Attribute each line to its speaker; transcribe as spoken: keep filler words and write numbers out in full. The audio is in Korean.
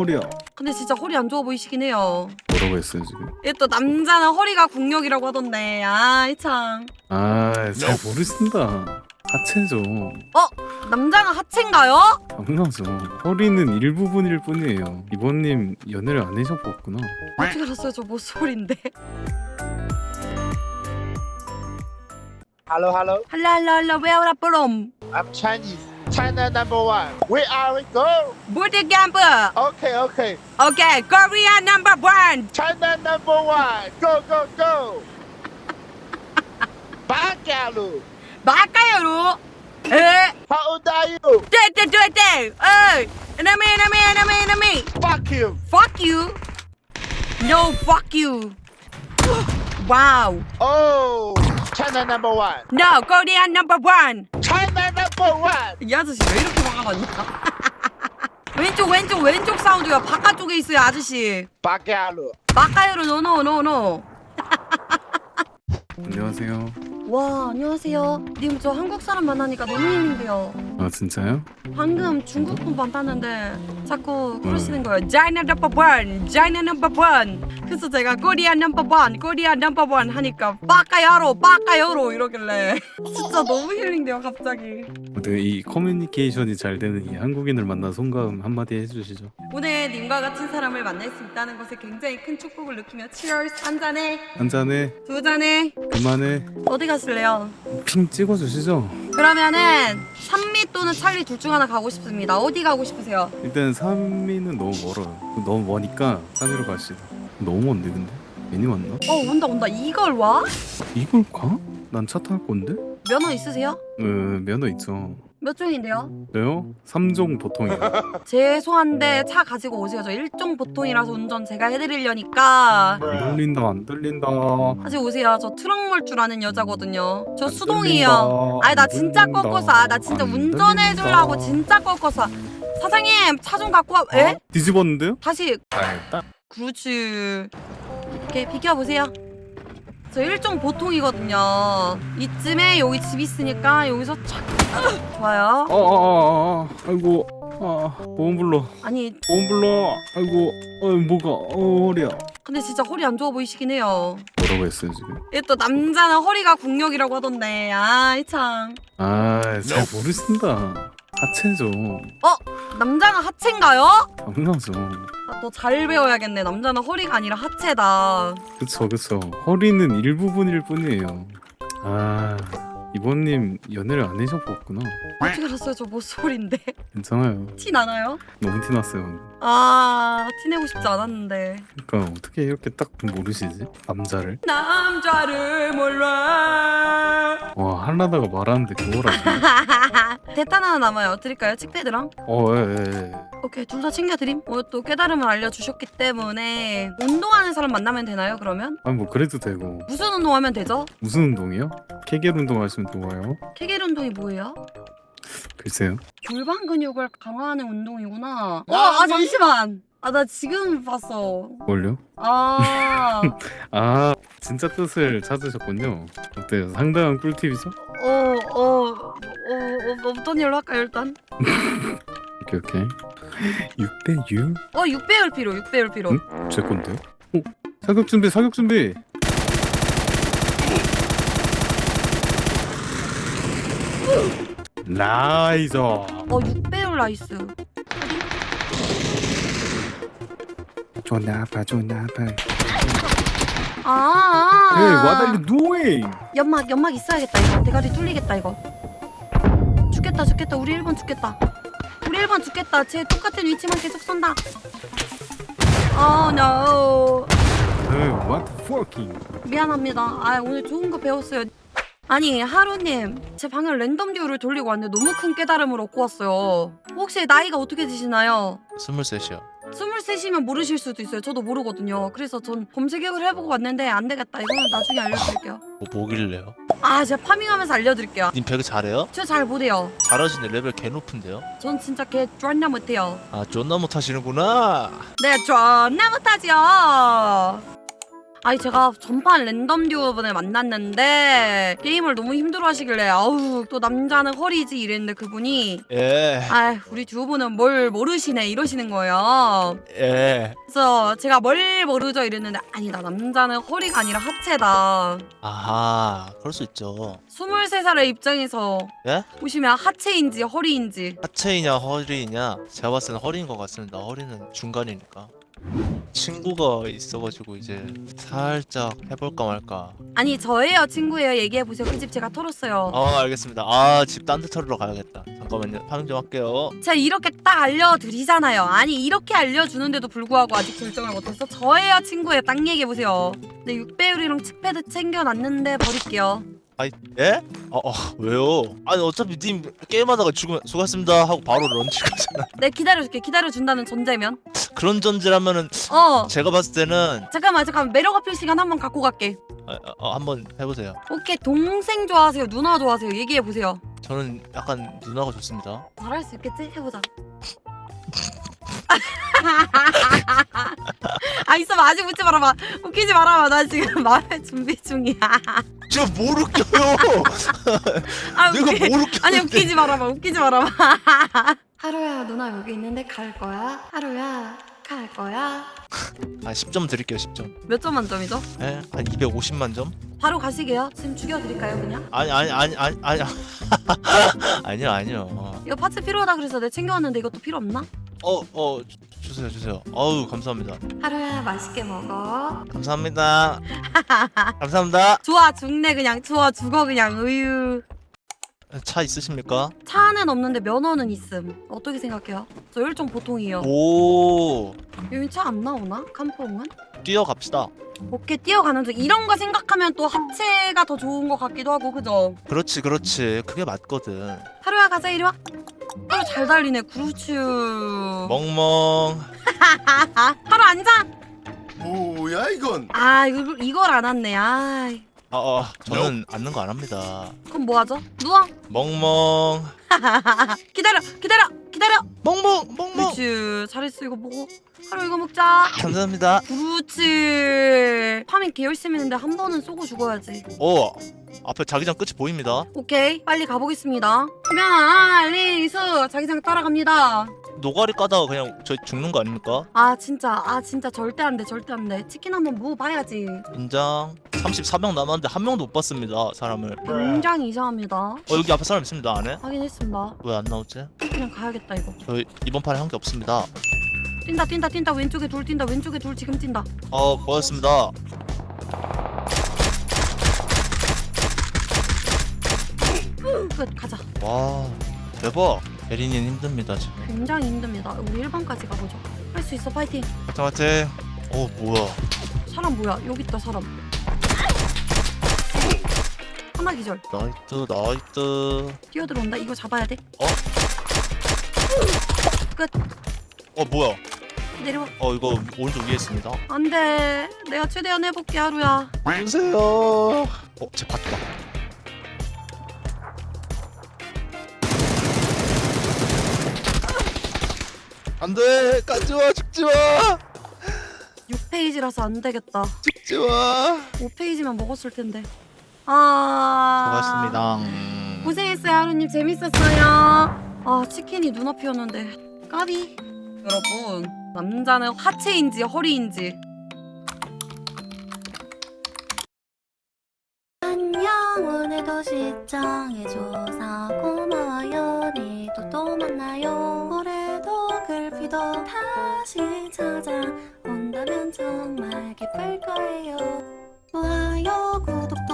Speaker 1: 허리야.
Speaker 2: 근데 진짜 허리 안 좋아 보이시긴 해요.
Speaker 1: 뭐라고 했어요 지금?
Speaker 2: 이게 또 남자는 허리가 국력이라고 하던데. 아이 참.
Speaker 1: 아, 잘 모르신다. 하체죠.
Speaker 2: 어? 남자는 하체인가요?
Speaker 1: 당연하죠. 허리는 일부분일 뿐이에요. 이번님 연애를 안 해셔봤구나.
Speaker 2: 어떻게 알았어요? 저 모쏠인데.
Speaker 3: Hello, hello.
Speaker 2: 할라 할라 할라 where are from?
Speaker 3: I'm Chinese. China number one. Where are we go?
Speaker 2: Booty camp.
Speaker 3: Okay, okay.
Speaker 2: Okay, Korea number one.
Speaker 3: China number one. Go, go, go. Bagalu.
Speaker 2: 막가요로. 에?
Speaker 3: How old are you?
Speaker 2: 떼떼떼떼. 에이. enemy enemy enemy enemy.
Speaker 3: Fuck you.
Speaker 2: Fuck you. No fuck you. Wow.
Speaker 3: Oh, China number one.
Speaker 2: No, Korea number one.
Speaker 3: China number one.
Speaker 2: 이 아저씨 왜 이렇게 화가 많냐? 왼쪽 왼쪽 왼쪽 사운드야. 바깥쪽에 있어요 아저씨.
Speaker 3: Bagalu.
Speaker 2: 막가요로 노노 노노.
Speaker 1: 안녕하세요.
Speaker 2: 와 안녕하세요. 님 저 한국 사람 만나니까 너무 힘든데요.
Speaker 1: 아 진짜요?
Speaker 2: 방금 중국 분 만났는데 자꾸 그러시는 거예요. China number one, China number one. 그래서 제가 코리아 number one, 코리아 number one 하니까 빠까야로, 빠까요로 이러길래 진짜 너무 힐링돼요 갑자기.
Speaker 1: 어떻게 이 커뮤니케이션이 잘 되는 이 한국인을 만나 송가음 한마디 해주시죠.
Speaker 2: 오늘 님과 같은 사람을 만날 수 있다는 것에 굉장히 큰 축복을 느끼며 Cheers 한 잔에
Speaker 1: 한 잔에
Speaker 2: 두 잔에
Speaker 1: 그만해.
Speaker 2: 어디 가실래요?
Speaker 1: 핑 찍어주시죠.
Speaker 2: 그러면은 산미 또는 찰리 둘 중 하나 가고 싶습니다. 어디 가고 싶으세요?
Speaker 1: 일단 삼미는 너무 멀어요. 너무 머니까 삼미로 가시다. 너무 먼데 근데? 괜히 왔나?
Speaker 2: 어 온다 온다. 이걸 와?
Speaker 1: 이걸 가? 난 차 탈 건데?
Speaker 2: 면허 있으세요?
Speaker 1: 어, 면허 있죠.
Speaker 2: 몇 종인데요?
Speaker 1: 저요? 삼 종 보통이에요.
Speaker 2: 죄송한데 차 가지고 오세요. 저 일종 보통이라서 운전 제가 해드리려니까
Speaker 1: 안 들린다 안 들린다.
Speaker 2: 다시 오세요. 저 트럭 몰 줄 아는 여자거든요. 저
Speaker 1: 안
Speaker 2: 수동이에요.
Speaker 1: 들린다.
Speaker 2: 아니 나
Speaker 1: 안
Speaker 2: 진짜
Speaker 1: 들린다.
Speaker 2: 꺾어서 아, 나 진짜
Speaker 1: 안
Speaker 2: 운전해주려고
Speaker 1: 들린다.
Speaker 2: 진짜 꺾어서 사장님 차 좀 갖고 와. 에?
Speaker 1: 어? 뒤집었는데요?
Speaker 2: 다시
Speaker 1: 알다.
Speaker 2: 그렇지. 이렇게 비켜보세요. 저 일종 보통이거든요. 이쯤에 여기 집 있으니까 여기서 착 좋아요.
Speaker 1: 어어어어 아이고 아 보험 불러
Speaker 2: 아니
Speaker 1: 보험 불러 아이고 어 뭐가 어 허리야.
Speaker 2: 근데 진짜 허리 안 좋아 보이시긴 해요.
Speaker 1: 뭐라고 했어요 지금?
Speaker 2: 이게 또 남자는 허리가 국력이라고 하던데. 아이 참.
Speaker 1: 아 잘 모르신다. 하체죠.
Speaker 2: 남자는 하체인가요?
Speaker 1: 당연하죠.
Speaker 2: 아, 더 잘 배워야겠네. 남자는 허리가 아니라 하체다.
Speaker 1: 그쵸 그쵸. 허리는 일부분일 뿐이에요. 아 이번님 연애를 안 해셔봤구나.
Speaker 2: 어떻게 알았어요? 저 모쏠인데.
Speaker 1: 괜찮아요.
Speaker 2: 티 나나요?
Speaker 1: 너무 티났어요.
Speaker 2: 아, 티내고 싶지 않았는데.
Speaker 1: 그러니까 어떻게 이렇게 딱 모르시지? 남자를?
Speaker 2: 남자를 몰라.
Speaker 1: 와 하려다가 말하는데 그거라고.
Speaker 2: 대탄 하나 남아요. 드릴까요? 칙패드랑?
Speaker 1: 어예예 예, 예.
Speaker 2: 오케이, 둘 다 챙겨드림. 오늘 또 깨달음을 알려주셨기 때문에 운동하는 사람 만나면 되나요? 그러면?
Speaker 1: 아니 뭐 그래도 되고.
Speaker 2: 무슨 운동하면 되죠?
Speaker 1: 무슨 운동이요? 케겔 운동 하시면 좋아요.
Speaker 2: 케겔 운동이 뭐예요?
Speaker 1: 글쎄요.
Speaker 2: 골반 근육을 강화하는 운동이구나. 어, 아 잠시만. 아 나 지금 봤어.
Speaker 1: 뭘요?
Speaker 2: 아,
Speaker 1: 아 진짜 뜻을 찾으셨군요. 어때요? 상당한 꿀팁이죠?
Speaker 2: 어, 어, 어, 어, 어떤 일로 할까요 일단?
Speaker 1: 오케이 오케이. 육 대 육?
Speaker 2: 어, 육 배율 필요, 육 배율 필요.
Speaker 1: 응? 제 건데요? 어? 사격 준비 사격 준비. 나이스.
Speaker 2: 어, 육 배율 나이스.
Speaker 1: 존나 아파 존나 아파.
Speaker 2: 아, 아.
Speaker 1: Hey, what are you doing?
Speaker 2: 연막, 연막 있어야겠다 이거. 대가리 뚫리겠다 이거. 죽겠다, 죽겠다. 우리 일 번 죽겠다. 우리 일 번 죽겠다. 쟤 똑같은 위치만 계속 쏜다. Oh no.
Speaker 1: Hey, what the fucking?
Speaker 2: 미안합니다. 아 오늘 좋은 거 배웠어요. 아니 하루님 제 방을 랜덤 듀오를 돌리고 왔는데 너무 큰 깨달음을 얻고 왔어요. 혹시 나이가 어떻게 되시나요?
Speaker 4: 스물셋이요.
Speaker 2: 스물셋이면 모르실 수도 있어요. 저도 모르거든요. 그래서 전 검색을 해보고 왔는데 안 되겠다. 이거는 나중에 알려드릴게요.
Speaker 4: 뭐 뭐길래요?
Speaker 2: 아 제가 파밍하면서 알려드릴게요.
Speaker 4: 님 배그 잘해요?
Speaker 2: 저 잘 못해요.
Speaker 4: 잘하시네. 레벨 개 높은데요?
Speaker 2: 전 진짜 개 존나 못해요.
Speaker 4: 아 존나 못하시는구나.
Speaker 2: 네 존나 못하지요. 아니 제가 전판 랜덤 듀오분을 만났는데 게임을 너무 힘들어 하시길래 아우 또 남자는 허리지 이랬는데 그분이
Speaker 4: 예.
Speaker 2: 아 우리 듀오분은 뭘 모르시네 이러시는 거예요.
Speaker 4: 예.
Speaker 2: 그래서 제가 뭘 모르죠 이랬는데 아니다 남자는 허리가 아니라 하체다.
Speaker 4: 아하, 그럴 수 있죠.
Speaker 2: 스물세 살의 입장에서
Speaker 4: 예?
Speaker 2: 보시면 하체인지 허리인지
Speaker 4: 하체이냐 허리냐? 제가 봤을 때는 허리인 것 같습니다. 허리는 중간이니까. 친구가 있어가지고 이제 살짝 해볼까 말까.
Speaker 2: 아니 저예요 친구예요 얘기해보세요. 그 집 제가 털었어요.
Speaker 4: 아 알겠습니다. 아 집 딴 데 털으러 가야겠다. 잠깐만요. 파밍 좀 할게요.
Speaker 2: 제가 이렇게 딱 알려드리잖아요. 아니 이렇게 알려주는데도 불구하고 아직 결정을 못했어? 저예요 친구예요. 딱 얘기해보세요. 네 육 배율이랑 칙패드 챙겨놨는데 버릴게요.
Speaker 4: 아이 예? 어, 어 왜요? 아니 어차피 님 게임하다가 죽으면 수고하셨습니다 하고 바로 런치가잖아.
Speaker 2: 네 기다려줄게. 기다려준다는 전제면
Speaker 4: 그런 전제라면은
Speaker 2: 어
Speaker 4: 제가 봤을 때는
Speaker 2: 잠깐만 잠깐만 매력 어필 시간 한번 갖고 갈게.
Speaker 4: 아, 아, 한번 해보세요.
Speaker 2: 오케이 동생 좋아하세요? 누나 좋아하세요? 얘기해보세요.
Speaker 4: 저는 약간 누나가 좋습니다.
Speaker 2: 잘할 수 있겠지? 해보자. 아 있어봐 아직 웃지 말아봐. 웃기지 말아봐. 나 지금 말할 준비 중이야.
Speaker 4: 제가 뭘 웃겨요?
Speaker 2: 아,
Speaker 4: 내가
Speaker 2: 웃기...
Speaker 4: 뭘 웃겨?
Speaker 2: 아니 웃기지 말아봐. 웃기지 말아봐. 하루야 누나 여기 있는데 갈 거야? 하루야 갈 거야?
Speaker 4: 아 십 점 드릴게요. 십 점.
Speaker 2: 몇 점 만점이죠?
Speaker 4: 예? 한 이백오십만 점?
Speaker 2: 바로 가시게요. 지금 죽여드릴까요 그냥?
Speaker 4: 아니 아니 아니 아니 아니 아니요 아니요.
Speaker 2: 이거 파츠 필요하다 그래서 내가 챙겨왔는데 이것도 필요 없나?
Speaker 4: 어어 주세요 주세요. 어우 감사합니다.
Speaker 2: 하루야 맛있게 먹어.
Speaker 4: 감사합니다. 감사합니다.
Speaker 2: 좋아 죽네 그냥. 좋아 죽어 그냥. 으유.
Speaker 4: 차 있으십니까?
Speaker 2: 차는 없는데 면허는 있음. 어떻게 생각해요? 저 혈종 보통이요.
Speaker 4: 오
Speaker 2: 여기 차 안 나오나? 캄포응은?
Speaker 4: 뛰어갑시다.
Speaker 2: 오케이 뛰어가는 중. 이런 거 생각하면 또 합체가 더 좋은 것 같기도 하고 그죠?
Speaker 4: 그렇지 그렇지 그게 맞거든.
Speaker 2: 하루야 가자 이리 와. 하루 잘 달리네. 그렇지.
Speaker 4: 멍멍.
Speaker 2: 하루 앉아.
Speaker 5: 뭐야 이건?
Speaker 2: 아 이걸, 이걸 안 왔네. 아
Speaker 4: 아, 어, 저는 앉는 거 안 합니다.
Speaker 2: 그럼 뭐 하죠? 누워.
Speaker 4: 멍멍.
Speaker 2: 기다려 기다려 기다려.
Speaker 4: 멍멍 멍멍.
Speaker 2: 그렇지. 잘했어. 이거 먹어. 하루 이거 먹자.
Speaker 4: 감사합니다.
Speaker 2: 그렇지. 파밍 개 열심히 했는데 한 번은 쏘고 죽어야지.
Speaker 4: 오 앞에 자기장 끝이 보입니다.
Speaker 2: 오케이 빨리 가보겠습니다. 야 리수 자기장 따라갑니다.
Speaker 4: 노가리 까다가 그냥 저희 죽는 거 아닙니까?
Speaker 2: 아 진짜 아 진짜 절대 안돼 절대 안돼. 치킨 한번 먹어봐야지.
Speaker 4: 인장. 삼십사 명 남았는데 한 명도 못 봤습니다 사람을.
Speaker 2: 굉장히 이상합니다.
Speaker 4: 어 여기 앞에 사람 있습니다 안에?
Speaker 2: 확인했습니다.
Speaker 4: 왜 안 나오지?
Speaker 2: 그냥 가야겠다 이거.
Speaker 4: 저희 이번 판에 한 게 없습니다.
Speaker 2: 뛴다 뛴다 뛴다. 왼쪽에 둘 뛴다. 왼쪽에 둘 지금 뛴다.
Speaker 4: 어 고맙습니다.
Speaker 2: 끝 가자.
Speaker 4: 와 대박. 예린이는 힘듭니다 지금.
Speaker 2: 굉장히 힘듭니다. 우리 일 번까지 가보죠. 할 수 있어 파이팅.
Speaker 4: 화이팅 화이팅. 어 뭐야.
Speaker 2: 사람 뭐야 여기 있다 사람. 하나 기절.
Speaker 4: 나이트 나이트.
Speaker 2: 뛰어들어온다. 이거 잡아야 돼.
Speaker 4: 어?
Speaker 2: 끝.
Speaker 4: 어 뭐야.
Speaker 2: 내려와.
Speaker 4: 어 이거 오른쪽 위에 있습니다.
Speaker 2: 안돼. 내가 최대한 해볼게 하루야.
Speaker 4: 주세요. 어, 제 봤다. 안돼, 가지마, 죽지마,
Speaker 2: 육 페이지라서 안 되겠다.
Speaker 4: 죽지마.
Speaker 2: 오 페이지만 먹었을 텐데. 아.
Speaker 4: 수고하셨습니다.
Speaker 2: 고생했어요 하루님. 재밌었어요. 아 치킨이 눈앞이었는데 까비. 여러분 남자는 하체인지 허리인지.
Speaker 6: 안녕 오늘도 시청해줘서 고마워요. 내일도 또 만나요. 올해도 글피도 다시 찾아온다면 정말 기쁠 거예요. 좋아요 구독